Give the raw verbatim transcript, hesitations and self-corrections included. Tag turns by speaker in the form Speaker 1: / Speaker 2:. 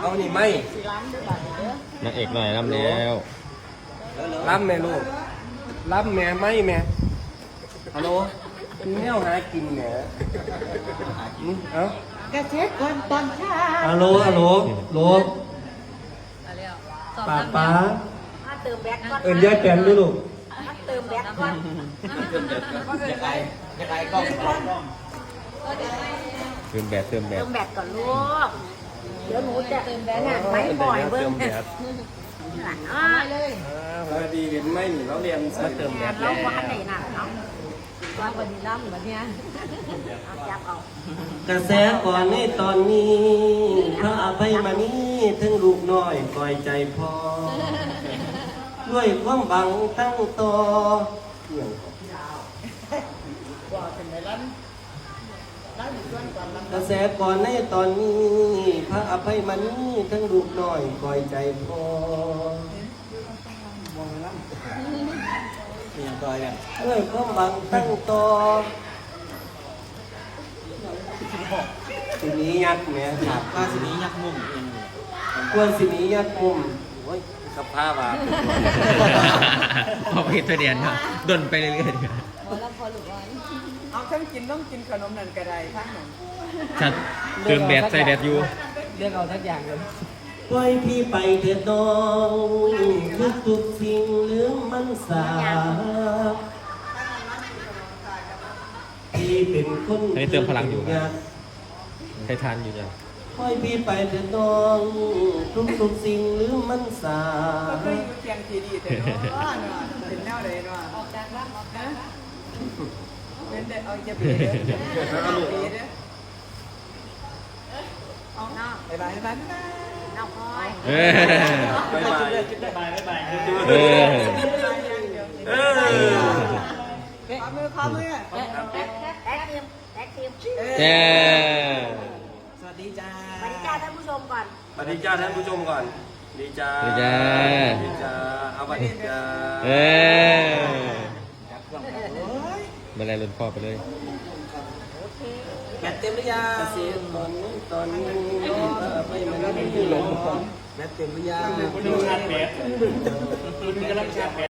Speaker 1: เอานี่ไหม
Speaker 2: นางเอกหน่อยรำแล้ว
Speaker 1: รับแม่ลูกรับแม่ไหมแม่ฮัลโหลแมวหากินแหน่เอ้ากระเช็ดก่อนตอนเช้าฮัลโหลฮัลโหลโหลป้าป้า
Speaker 3: เติมแบกก่อน
Speaker 1: เอิญยายแกนด้วยลูก
Speaker 3: เติมแบกก่อน
Speaker 1: ยังไงยังไงกล้องกล้อง
Speaker 2: เติมแบบเติมแบบ
Speaker 3: เติมแบกก่อนลูกเดี๋ยวหนูจะเติมแบกน่ะไม่บ่อยเบิ้งอ่าเลย
Speaker 1: พอดีเห็นไหมนี่เราเรียนมาเติมแบ
Speaker 3: เราว่าไหนน่ะเนาะว่าวันนี้ล่ำแบบเนี้ยจับเอา
Speaker 1: กระแสก่อนในตอนนี้พระอภัยมานี้ถึงลูกน้อยปล่อยใจพอด้วยความบังตั้งต่อกระแสก่อนในตอนนี้พระอภัยมานี้ถึงลูกน้อยปล่อยใจพอด้วยความบังตั้งต่อสินี้ยักษ์เนี่ยครับว่าสินี้ยักษ์มุมเองควรสินี้ยักษ์มุมโอ้ยสภาพอ่ะ
Speaker 2: พอพิจารณาดนไปเรื่อยๆ
Speaker 4: เอาทั้งกินต้องกินขนมนั่นก็ได้ทั้งนั้น
Speaker 2: ชัดเติมแบบใส่แบบอยู่
Speaker 1: เรียกเอาทักอย่างเลยปล่อยพี่ไปเถิดน้องทุกทุกสิ่งเรื่องมันสาพี่เป็นคน
Speaker 2: อันนี้เติมพลังอยู่ครับใครทานอยู่จ้ะ
Speaker 1: ปล่อยพี่ไปเถิดน้องทุกทุกสิ่งเรื่องมันสา
Speaker 4: ก็เคยอยู่เคียงทีดีแต่เนาะเป็นแนวไหนเนาะออกจากรับออกนะเป็นเด็กเอาจะเบียดเอาลูกเอาหน้าไปไปไปไป
Speaker 3: น้องพลอย
Speaker 2: เออ
Speaker 1: ไปไปไปไป
Speaker 2: เออ
Speaker 1: เออ
Speaker 4: ขอมือขอมือ
Speaker 3: แท็กแท็กทีมแท็กทีม
Speaker 2: เย้
Speaker 4: สวัสดีจ้า
Speaker 3: สวัสดีจ้าท่านผู้ชมก่อน
Speaker 1: สวัสดีจ้าท่านผู้ชมก่อนดีจ้า
Speaker 2: ดีจ้า
Speaker 1: ดีจ้าเอาสวัสดีจ้า
Speaker 2: เออมาแลรุ่นพ่อไปเลย
Speaker 4: แบตเต็มหรือยัง
Speaker 1: เสียงตอนนี้ตอนนี้ไม่มันไม่ลงแบตเต็มหรือยัง
Speaker 4: ดูชาร์จแบตดูกำลังชาร์จแบต